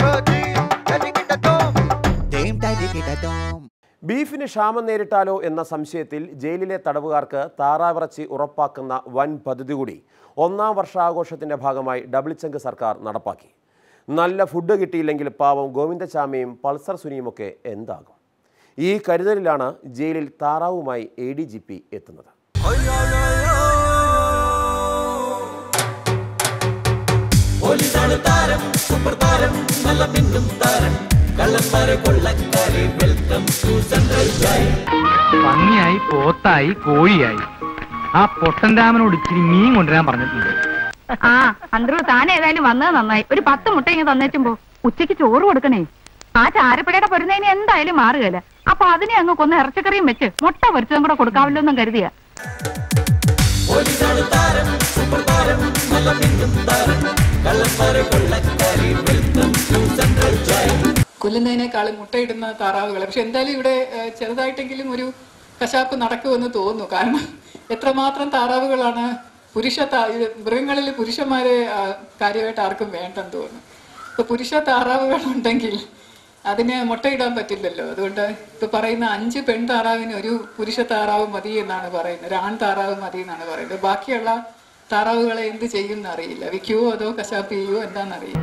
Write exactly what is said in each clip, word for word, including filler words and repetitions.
ബീഫിന് ക്ഷാമം നേരിട്ടാലോ എന്ന സംശയത്തിൽ ജയിലിലെ തടവുകാർക്ക് താറാവിറച്ചി ഉറപ്പാക്കുന്ന വൻ പദ്ധതി കൂടി ഒന്നാം വർഷാഘോഷത്തിന്റെ ഭാഗമായി ഡബിൾ ചങ്ക് സർക്കാർ നടപ്പാക്കി. നല്ല ഫുഡ് കിട്ടിയില്ലെങ്കിൽ പാവം ഗോവിന്ദചാമിയും പൾസർ സുനിയുമൊക്കെ എന്താകും? ഈ കരുതലിലാണ് ജയിലിൽ താറാവുമായി എ ഡി ജി പി എത്തുന്നത്. പന്നിയായി പോത്തായി കോഴിയായി ആ പൊട്ടൻ രാമനോട് ഇച്ചിരി മീൻ കൊണ്ടുവരാൻ പറഞ്ഞിട്ടുണ്ട്. ആ അന്തരൂ താൻ ഏതായാലും വന്നത് നന്നായി. ഒരു പത്ത് മുട്ട ഇങ്ങനെ തന്നേച്ചുമ്പോ ഉച്ചയ്ക്ക് ചോറ് കൊടുക്കണേ. ആ ചാരപ്പടയുടെ പൊരുന്നതിന് എന്തായാലും മാറുകയില്ല. അപ്പൊ അതിനെ അങ്ങ് കൊന്ന് ഇറച്ചിക്കറിയും വെച്ച് മുട്ട പൊരിച്ചതും കൂടെ കൊടുക്കാമല്ലോ എന്നും കരുതിയ. കൊല്ലുന്നതിനേക്കാളും മുട്ടയിടുന്ന താറാവുകൾ. പക്ഷെ എന്തായാലും ഇവിടെ ചെറുതായിട്ടെങ്കിലും ഒരു കശാപ്പ് നടക്കുമെന്ന് തോന്നുന്നു. കാരണം എത്രമാത്രം താറാവുകളാണ് പുരുഷ മൃഗങ്ങളിൽ പുരുഷന്മാരെ കാര്യമായിട്ട് ആർക്കും വേണ്ടെന്ന് തോന്നുന്നു. ഇപ്പൊ പുരുഷ താറാവുകൾ ഉണ്ടെങ്കിൽ അതിന് മുട്ടയിടാൻ പറ്റില്ലല്ലോ. അതുകൊണ്ട് ഇപ്പൊ പറയുന്ന അഞ്ച് പെൺ താറാവിന് ഒരു പുരുഷ താറാവ് മതി എന്നാണ് പറയുന്നത്. ഒരു ആൺ താറാവ് മതി എന്നാണ് പറയുന്നത്. ബാക്കിയുള്ള താറാവുകളെ എന്ത് ചെയ്യും എന്നറിയില്ല. വിൽക്കുവോ അതോ കശാപ്പ് ചെയ്യുവോ എന്താണെന്നറിയില്ല.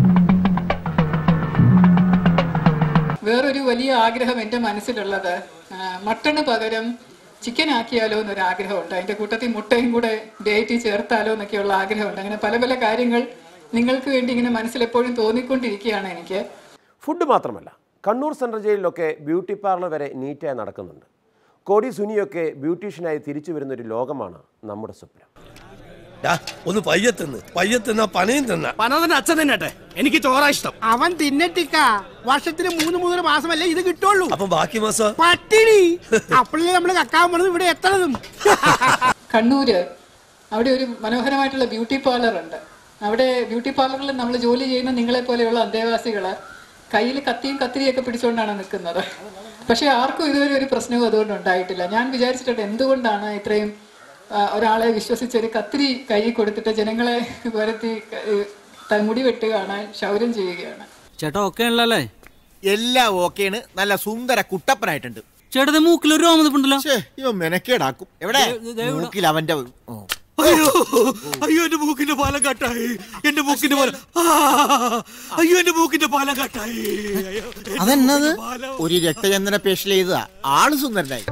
വേറൊരു വലിയ ആഗ്രഹം എൻ്റെ മനസ്സിലുള്ളത് മട്ടണ് പകരം ചിക്കൻ ആക്കിയാലോ എന്നൊരു ആഗ്രഹമുണ്ട്. അതിൻ്റെ കൂട്ടത്തിൽ മുട്ടയും കൂടെ ഡേറ്റ് ചേർത്താലോ എന്നൊക്കെയുള്ള ആഗ്രഹമുണ്ട്. അങ്ങനെ പല പല കാര്യങ്ങൾ നിങ്ങൾക്ക് വേണ്ടി ഇങ്ങനെ മനസ്സിലെപ്പോഴും തോന്നിക്കൊണ്ടിരിക്കുകയാണ് എനിക്ക്. ഫുഡ് മാത്രമല്ല, കണ്ണൂർ സെൻട്രൽ ജയിലിലൊക്കെ ബ്യൂട്ടി പാർലർ വരെ നീറ്റായി നടക്കുന്നുണ്ട്. കോടി സുനിയൊക്കെ ബ്യൂട്ടീഷ്യനായി തിരിച്ചു വരുന്നൊരു ലോകമാണ് നമ്മുടെ സ്വപ്നം. ഒന്ന് പയ്യത്തിന്ന് പയ്യത്തിന്ന പനയും തിന്ന പന തന്നെ അച്ഛൻ തിന്നട്ടെ. എനിക്ക് ചോറാ ഇഷ്ടം. അവൻ തിന്നട്ടിക്ക. വർഷത്തിന് മൂന്ന് മൂന്നര മാസമല്ലേ ഇത് കിട്ടുള്ളൂ. അപ്പൊ ബാക്കി മാസം പട്ടിണി. അപ്പോഴേ നമ്മള് കക്കാൻ പോണത് ഇവിടെ എത്തണതും. കണ്ണൂര് അവിടെ ഒരു മനോഹരമായിട്ടുള്ള ബ്യൂട്ടി പാർലർ ഉണ്ട്. അവിടെ ബ്യൂട്ടി പാർലറിൽ നമ്മൾ ജോലി ചെയ്യുന്ന നിങ്ങളെ പോലെയുള്ള അന്തേവാസികള് കയ്യിൽ കത്തിയും കത്തിരിയൊക്കെ പിടിച്ചുകൊണ്ടാണ് നിൽക്കുന്നത്. പക്ഷെ ആർക്കും ഇതുവരെ ഒരു പ്രശ്നവും അതുകൊണ്ട് ഉണ്ടായിട്ടില്ല. ഞാൻ വിചാരിച്ചിട്ടുണ്ട് എന്തുകൊണ്ടാണ് ഇത്രയും ഒരാളെ വിശ്വസിച്ചൊരു കത്തിരി കൈ കൊടുത്തിട്ട് ജനങ്ങളെ വരുത്തി മുടി വെട്ടുകയാണ്, ക്ഷൗരം ചെയ്യുകയാണ്. ചേട്ടാ ഓക്കെ ആണല്ലേ? എല്ലാം ഓക്കെയാണ്. നല്ല സുന്ദര കുട്ടപ്പനായിട്ടുണ്ട്. ചേട്ടന്റെ മൂക്കിൽ ഒരു രോമനിപ്പുണ്ടല്ലോ. ഇവ മെനക്കേടാക്കും. എവിടെ മൂക്കിൽ അവന്റെ അയ്യോ അയ്യോ എന്റെ മൂക്കിന്റെ പാലം കട്ടായി. എന്റെ മൂക്കിന്റെ പാലം അയ്യോ എന്റെ മൂക്കിന്റെ പാലം കട്ടായി. അതെന്നത് ഒരു രക്തചന്ദന പേഷ്യൽ ചെയ്തതാ. ആള് സുന്ദരനായി.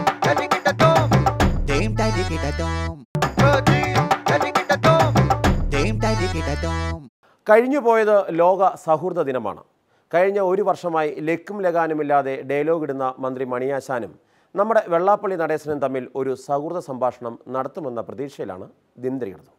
കഴിഞ്ഞു പോയത് ലോക സൗഹൃദ ദിനമാണ്. കഴിഞ്ഞ ഒരു വർഷമായി ലക്കും ലഗാനുമില്ലാതെ ഡയലോഗ് ഇടുന്ന മന്ത്രി മണിയാശാനും നമ്മുടെ വെള്ളാപ്പള്ളി നടേശനും തമ്മിൽ ഒരു സൗഹൃദ സംഭാഷണം നടത്തുമെന്ന പ്രതീക്ഷയിലാണ് ദിനദരികടന്നു.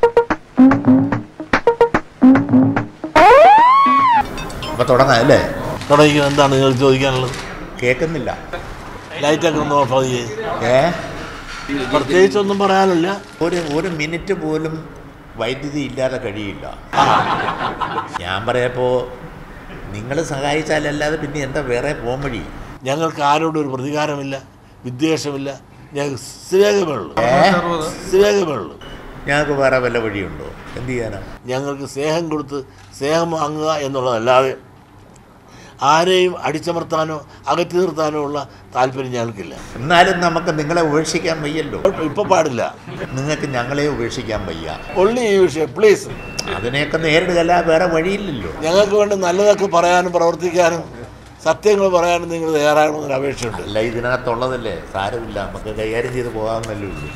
തുടങ്ങാല്ലേ? തുടങ്ങിയത് എന്താണ് നിങ്ങൾ ചോദിക്കാനുള്ളത്? കേൾക്കുന്നില്ല. ലൈറ്റൊക്കെ ഒന്ന് ഓഫ് ആയി. ഏ പ്രത്യേകിച്ചൊന്നും പറയാനില്ല. ഒരു ഒരു മിനിറ്റ് പോലും വൈദ്യുതി ഇല്ലാതെ കഴിയില്ല. ഞാൻ പറയപ്പോ നിങ്ങൾ സഹായിച്ചാലല്ലാതെ പിന്നെ എന്താ വേറെ പോകാൻ വഴി? ഞങ്ങൾക്ക് ആരോടും ഒരു പ്രതികാരമില്ല, വിദ്വേഷമില്ല. ഞങ്ങൾക്ക് സ്നേഹമുള്ളൂ സ്നേഹമുള്ളൂ ഞങ്ങൾക്ക് വേറെ വല്ല വഴിയുണ്ടോ? എന്ത് ചെയ്യാനാ? ഞങ്ങൾക്ക് സ്നേഹം കൊടുത്ത് സ്നേഹം വാങ്ങുക എന്നുള്ളതല്ലാതെ ആരെയും അടിച്ചമർത്താനോ അകറ്റി നിർത്താനോ ഉള്ള താല്പര്യം ഞങ്ങൾക്കില്ല. എന്നാലും നമുക്ക് നിങ്ങളെ ഉപേക്ഷിക്കാൻ വയ്യല്ലോ. ഇപ്പൊ പാടില്ല. നിങ്ങൾക്ക് ഞങ്ങളെ ഉപേക്ഷിക്കാൻ വയ്യ. ഒള്ളി ഈ വിഷയം പ്ലീസ്. അതിനെയൊക്കെ നേരിടുകയല്ല, വേറെ വഴിയില്ലല്ലോ. ഞങ്ങൾക്ക് വേണ്ടി നല്ലതൊക്കെ പറയാനും പ്രവർത്തിക്കാനും സത്യങ്ങൾ പറയാനും നിങ്ങൾ തയ്യാറാകണമെന്നൊരു അപേക്ഷയുണ്ട്. അല്ല, ഇതിനകത്തുള്ളതല്ലേ, സാരമില്ല, നമുക്ക് കൈകാര്യം ചെയ്ത് പോകാമെന്നല്ലേ ഉള്ളൂ.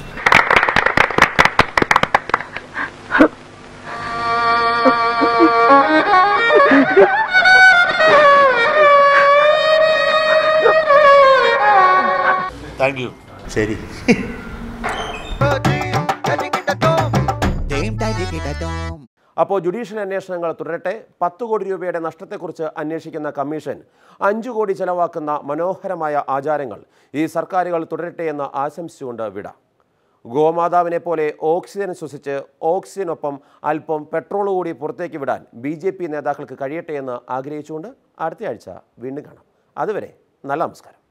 Thank you. ശരി. അപ്പോൾ ജുഡീഷ്യൽ അന്വേഷണങ്ങൾ തുടരട്ടെ. പത്ത് കോടി രൂപയുടെ നഷ്ടത്തെക്കുറിച്ച് അന്വേഷിക്കുന്ന കമ്മീഷൻ അഞ്ചു കോടി ചെലവാക്കുന്ന മനോഹരമായ ആചാരങ്ങൾ ഈ സർക്കാരുകൾ തുടരട്ടെ എന്ന് ആശംസിച്ചുകൊണ്ട് വിട. ഗോമാതാവിനെ പോലെ ഓക്സിജൻ ശ്വസിച്ച് ഓക്സിജനൊപ്പം അല്പം പെട്രോൾ കൂടി പുറത്തേക്ക് വിടാൻ ബി ജെ പി നേതാക്കൾക്ക് കഴിയട്ടെ എന്ന് ആഗ്രഹിച്ചുകൊണ്ട് അടുത്തയാഴ്ച വീണ്ടും കാണാം. അതുവരെ നല്ല നമസ്കാരം.